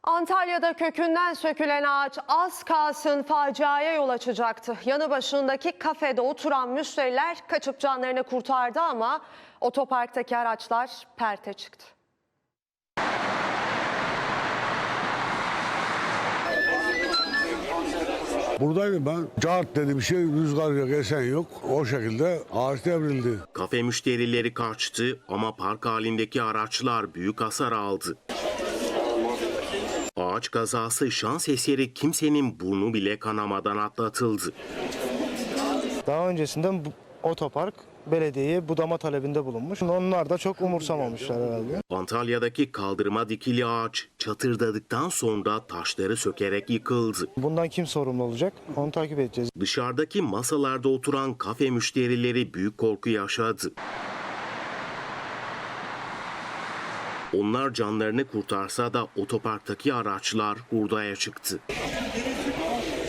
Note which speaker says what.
Speaker 1: Antalya'da kökünden sökülen ağaç az kalsın faciaya yol açacaktı. Yanı başındaki kafede oturan müşteriler kaçıp canlarını kurtardı ama otoparktaki araçlar perte çıktı.
Speaker 2: Buradaydım ben. Cart dedi bir şey, rüzgar yok, esen yok. O şekilde ağaç devrildi.
Speaker 3: Kafe müşterileri kaçtı ama park halindeki araçlar büyük hasar aldı. Ağaç kazası şans eseri kimsenin burnu bile kanamadan atlatıldı.
Speaker 4: Daha öncesinden otopark belediyeye budama talebinde bulunmuş. Onlar da çok umursamamışlar herhalde.
Speaker 3: Antalya'daki kaldırıma dikili ağaç çatırdadıktan sonra taşları sökerek yıkıldı.
Speaker 4: Bundan kim sorumlu olacak? Onu takip edeceğiz.
Speaker 3: Dışarıdaki masalarda oturan kafe müşterileri büyük korku yaşadı. Onlar canlarını kurtarsa da otoparktaki araçlar hurdaya çıktı.